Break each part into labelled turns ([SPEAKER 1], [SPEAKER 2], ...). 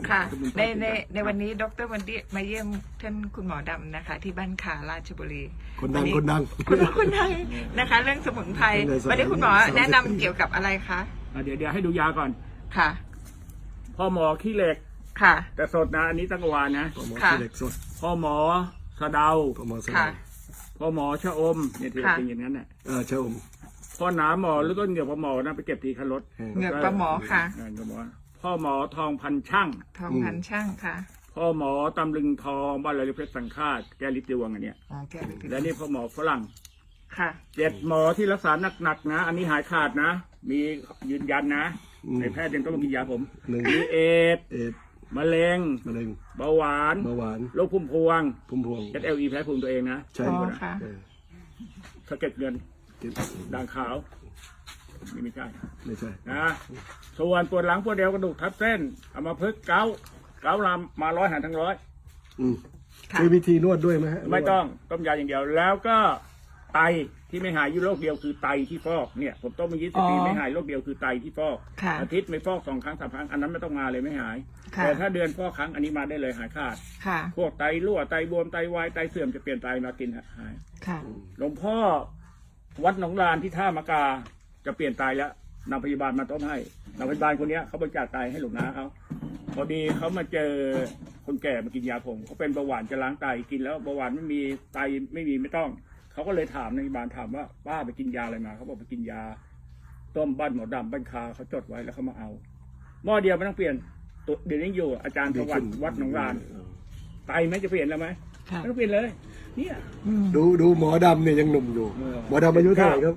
[SPEAKER 1] ค่ะในวันนี้ดรวันดีมาเยี่ยมท่านคุณหมอดำนะคะ ที่บ้านขาราชบุรี
[SPEAKER 2] คนดัง
[SPEAKER 1] คุณดังนะคะ เรื่องสมุนไพรวันนี้คุณหมอแนะนำเกี่ยวกับอะไรคะ
[SPEAKER 3] เดี๋ยวให้ดูยาก่อน
[SPEAKER 1] ค่ะ
[SPEAKER 3] พ่อหมอขี้เหล็ก
[SPEAKER 1] ค่ะ
[SPEAKER 3] แต่สดนะอันนี้ตั้งวานนะ
[SPEAKER 2] พ่อหมอขี้เหล็กสด
[SPEAKER 3] พ่อหมอสะเดา
[SPEAKER 2] พ่อหมอสะเดา
[SPEAKER 3] พ่อหมอชะอมเนี่ยที่เป็นอย่างนั้นน่ะ
[SPEAKER 2] ชะอม
[SPEAKER 3] พ่อหนาหมอหรือต้นเหงี่ยวพ่อหมอนะไปเก็บทีคันรถ
[SPEAKER 1] เหงี่ยวปลาหมอค่ะ
[SPEAKER 3] พ่อหมอทองพันช่าง
[SPEAKER 1] ค่ะ
[SPEAKER 3] พ่อหมอตำลึงทองบ้านไรเพชรสังฆาตแก้ลิดดวงอันเนี้ยและนี่พ่อหมอฝรั่ง
[SPEAKER 1] ค่ะ
[SPEAKER 3] 7หมอที่รักษาหนักๆนะอันนี้หายขาดนะมียืนยันนะในแพทย์ยังต้องมากินยาผมมีเอดมะเร็งเบาหวานโรคพุ่มพวงSLE แพ้ภูมิตัวเองนะ
[SPEAKER 2] ใช่
[SPEAKER 1] ค่ะ
[SPEAKER 3] สะเก็ดเงินด่างขาวไม่ใช่นะส่วนปวดหลังปวดเอวกระดูกทับเส้นเอามาพึกเกาลำมา100 หารทั้ง100
[SPEAKER 2] มีวิธีนวดด้วยไหมฮะ
[SPEAKER 3] ไม่ต้องต้มยาอย่างเดียวแล้วก็ไตที่ไม่หายอยู่โรคเดียวคือไตที่ฟอกเนี่ยผมต้มมา20 ปีไม่หายโรคเดียวคือไตที่ฟอกอาทิตย์ไม่ฟอก2 ครั้ง3 ครั้งอันนั้นไม่ต้องมาเลยไม่หายแต่ถ้าเดือนฟอกครั้งอันนี้มาได้เลยหายขาดพวกไตรั่วไตบวมไตวายไตเสื่อมจะเปลี่ยนไตมากินหายหลวงพ่อวัดหนองลานที่ท่ามะกาจะเปลี่ยนไตแล้วนำพยาบาลมาต้มให้นำพยาบาลคนนี้เขาบริจาคไตให้หลวงน้าเขาพอดีเขามาเจอคนแก่มากินยาผมเขาเป็นเบาหวานจะล้างไตกินแล้วเบาหวานไม่มีไตไม่ต้องเขาก็เลยถามในพยาบาลถามว่าป้าไปกินยาอะไรมาเขาบอกไปกินยาต้มบ้านหมอดำบ้านคาเขาจดไว้แล้วเขามาเอาหม้อเดียวไม่ต้องเปลี่ยนตัวเดี๋ยวนี้อยู่อาจารย์สวัสดิ์วัดหนองลานไตไหมจะเปลี่ยนแล้วไหมไม่ต้องเปลี่ยนเลยเนี่ย
[SPEAKER 2] ดูหมอดำเนี่ยยังหนุ่มอยู่หมอดำอายุเท่าไหร่ครับ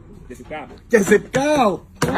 [SPEAKER 2] 79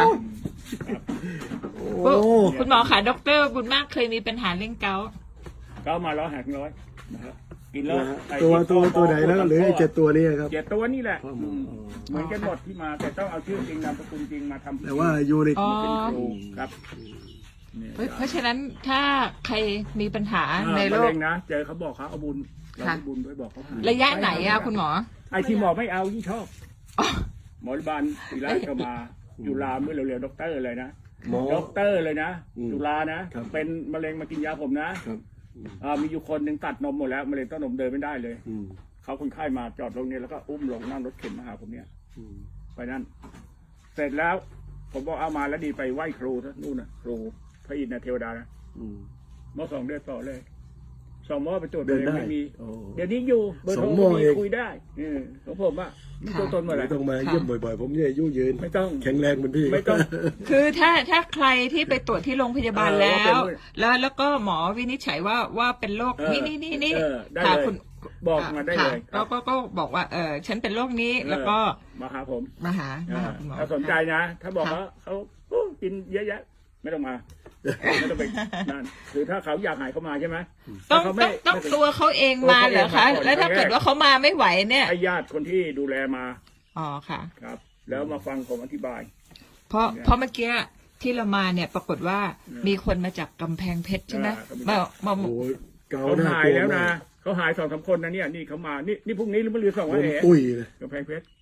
[SPEAKER 1] คุณหมอค่ะดร.บุญมากเคยมีปัญหาเรื่องเกาต์
[SPEAKER 3] มา100 หาร100นะครับกินแล้ว
[SPEAKER 2] ตัวไหนนะหรือ7 ตัวนี้ครับ
[SPEAKER 3] 7 ตัวนี่แหละเหมือนกันหมดที่มาแต่ต้องเอาชื่อจริงนามสกุลจริงมาทำ
[SPEAKER 2] แต่ว่าอยู่ใน
[SPEAKER 3] เป็นครูครับ
[SPEAKER 1] เพราะฉะนั้นถ้าใครมีปัญหาในโรค
[SPEAKER 3] นะเจอเขาบอกเขาเอาบุญบุญด้วยบอกเขา
[SPEAKER 1] ระยะไหนอะคุณหมอ
[SPEAKER 3] ไอที่หมอไม่เอายิ่งชอบหมอริบาลศิริราชก็มาอยู่ลาเมื่อเร็วๆด็อกเตอร์เลยนะด็อกเตอร์เลยนะจุฬานะเป็นมะเร็งมากินยาผมนะมีอยู่คนหนึ่งตัดนมหมดแล้วมะเร็งเต้านมเดินไม่ได้เลยเขาคนไข้มาจอดลงนี้แล้วก็อุ้มลงนั่งรถเข็นมาหาผมเนี่ยไปนั่นเสร็จแล้วผมบอกเอามาแล้วดีไปไหว้ครูนู่นน่ะครูพระอินทร์เทวดานะเมื่อ2 เดือนต่อเลย2 หม้อไปตรวจเลยไม่มีเดี๋ยวนี้อยู่เบอร์โทรมีคุยได้ของผมอ่ะไม่ตัวตนเมื่อไหร่
[SPEAKER 2] ต้องมาเยี่ยมบ่อยๆผมเนี่ยอายุยืน
[SPEAKER 3] ไม่ต้อง
[SPEAKER 2] แข็งแรงเหมือนพี่
[SPEAKER 3] ไม่ต้อง
[SPEAKER 1] คือถ้าใครที่ไปตรวจที่โรงพยาบาลแล้วก็หมอวินิจฉัยว่าเป็นโรคนี่
[SPEAKER 3] ค่ะคุณบอกมาได้เลย
[SPEAKER 1] แล้วก็บอกว่าฉันเป็นโรคนี้แล้วก็
[SPEAKER 3] มาหาผม
[SPEAKER 1] มาหาคุณหมอ
[SPEAKER 3] ถ้าสนใจนะถ้าบอกว่าเขากินเยอะแยะไม่ต้องมาไม่ต้องไปนั่นคือถ้าเขาอยากหายเขามาใช่ไหม
[SPEAKER 1] ต้องตัวเขาเองมาเหรอคะแล้วถ้าเกิดว่าเขามาไม่ไหวเนี่ย
[SPEAKER 3] ให้ญาติคนที่ดูแลมา
[SPEAKER 1] ค่ะ
[SPEAKER 3] ครับแล้วมาฟังผมอธิบาย
[SPEAKER 1] เพราะเมื่อกี้ที่เรามาเนี่ยปรากฏว่ามีคนมาจากกำแพงเพชรใช่ไหมมา
[SPEAKER 3] เขาหายแล้วนะเขาหาย2-3 คนนะเนี่ยนี่เขามานี่พรุ่งนี้หรือเมื่อรืน2 วันเองกำแพงเพชร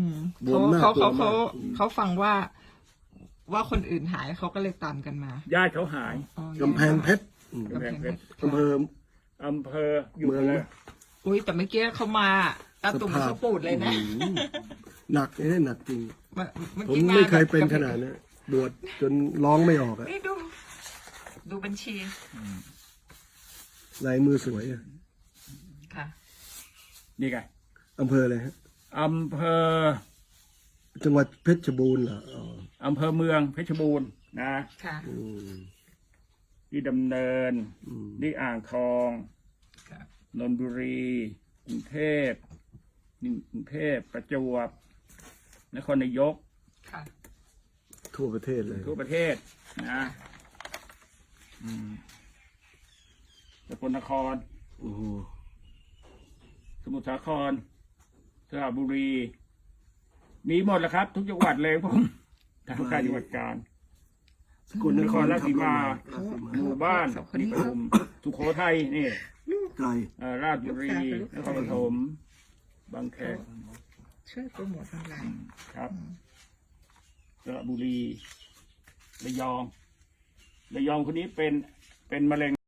[SPEAKER 1] เขาฟังว่าคนอื่นหายเขาก็เลยตามกันมา
[SPEAKER 3] ญาติเขาหาย
[SPEAKER 2] กำแพงเพชร
[SPEAKER 3] กำแพงเพชร
[SPEAKER 2] อำเภ
[SPEAKER 3] ออยู่เมืองเลย
[SPEAKER 1] อุ้ยแต่เมื่อกี้เขามาตาตุ่มเขาปูดเลยนะ
[SPEAKER 2] หนักหนักจริงผมไม่เคยเป็นขนาดนี้บวชจนร้องไม่ออกอ่ะ
[SPEAKER 1] นี่ดูบัญชี
[SPEAKER 2] ลายมือสวย
[SPEAKER 1] ค่ะ
[SPEAKER 3] นี่ไง
[SPEAKER 2] อำเภออะไรฮะ
[SPEAKER 3] อำเภอ
[SPEAKER 2] จังหวัดเพชรบูรณ์เหรอ
[SPEAKER 3] อำเภอเมืองเพชรบูรณ์นะ
[SPEAKER 1] ค่ะ
[SPEAKER 3] ที่ดำเนินที่อ่างทองนนทบุรีกรุงเทพประจวบนครนายก
[SPEAKER 2] ทั่วประเทศเลย
[SPEAKER 3] ทั่วประเทศนะสกลนครสมุทรสาครสระบุรีมีหมดแล้วครับทุกจังหวัดเลยผมทางการจังหวัดกาญ
[SPEAKER 2] สกลนคร
[SPEAKER 3] ราชสีมาหมู่บ้านนิคมสุโขทัยนี่ราชบุรีนครปฐมบางแค
[SPEAKER 1] ช่วยโปรโมทออนไลน์
[SPEAKER 3] ครับสระบุรีระยองคนนี้เป็นมะเร็ง